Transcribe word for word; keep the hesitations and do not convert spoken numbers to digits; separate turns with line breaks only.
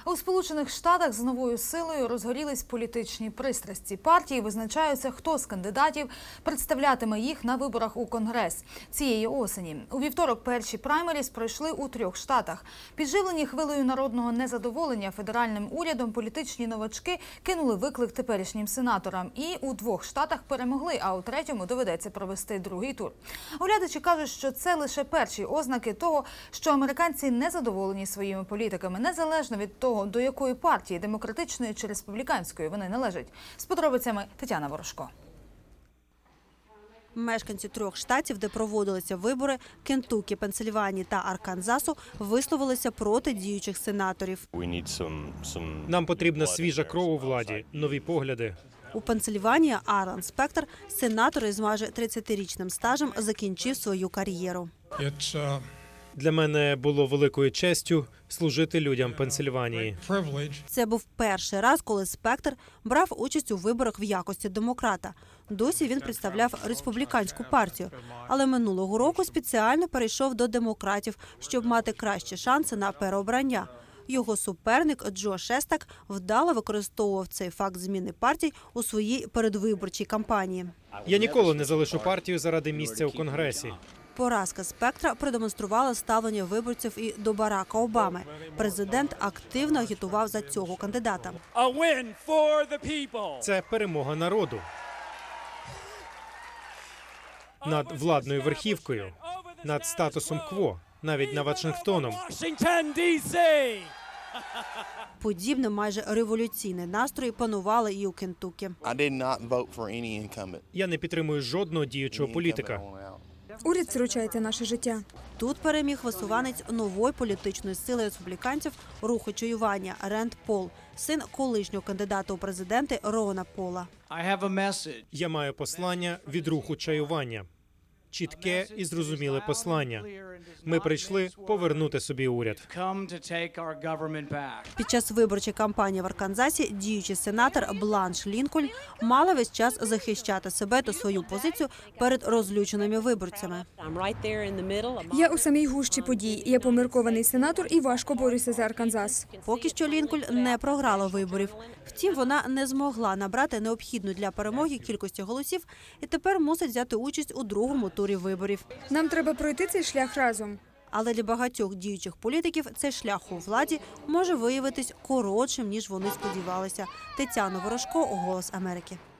У Сполучених Штатах з новою силою розгорілись політичні пристрасті. Партії визначаються, хто з кандидатів представлятиме їх на виборах у Конгрес цієї осені. У вівторок перші праймеріс пройшли у трьох штатах. Підживлені хвилею народного незадоволення федеральним урядом, політичні новачки кинули виклик теперішнім сенаторам. І у двох штатах перемогли, а у третьому доведеться провести другий тур. Оглядачі кажуть, що це лише перші ознаки того, що американці незадоволені своїми політиками, незалежно від того, до якої партії, демократичної чи республіканської, вони належать. З подробицями Тетяна Ворожко.
Мешканці трьох штатів, де проводилися вибори – Кентукі, Пенсильванії та Арканзасу – висловилися проти діючих сенаторів.
Нам потрібна свіжа кров у владі, нові погляди.
У Пенсильванії Алан Спектор, сенатор із майже тридцятирічним стажем, закінчив свою кар'єру.
Для мене було великою честю служити людям Пенсильванії.
Це був перший раз, коли Спектор брав участь у виборах в якості демократа. Досі він представляв республіканську партію, але минулого року спеціально перейшов до демократів, щоб мати кращі шанси на переобрання. Його суперник Джо Шестак вдало використовував цей факт зміни партій у своїй передвиборчій кампанії.
Я ніколи не залишу партію заради місця у Конгресі.
Поразка Спектора продемонструвала ставлення виборців і до Барака Обами. Президент активно агітував за цього кандидата.
Це перемога народу над владною верхівкою, над статусом кво, навіть над Вашингтоном.
Подібне майже революційне настрої панували і у Кентукі.
Я не підтримую жодного діючого політика.
Уряд втручається наше життя.
Тут переміг висуванець нової політичної сили республіканців руху чаювання Ренд Пол, син колишнього кандидата у президенти Рона Пола.
Я маю послання від руху чаювання. Чітке і зрозуміле послання. Ми прийшли повернути собі уряд.
Під час виборчої кампанії в Арканзасі діючий сенатор Бланш Лінкольн мала весь час захищати себе та свою позицію перед розлюченими виборцями.
Я у самій гущі подій. Я поміркований сенатор і важко борюся за Арканзас.
Поки що Лінкольн не програла виборів. Втім, вона не змогла набрати необхідну для перемоги кількості голосів і тепер мусить взяти участь у другому турі виборів.
Нам треба пройти цей шлях разом.
Але для багатьох діючих політиків цей шлях у владі може виявитись коротшим, ніж вони сподівалися. Тетяна Ворожко, «Голос Америки».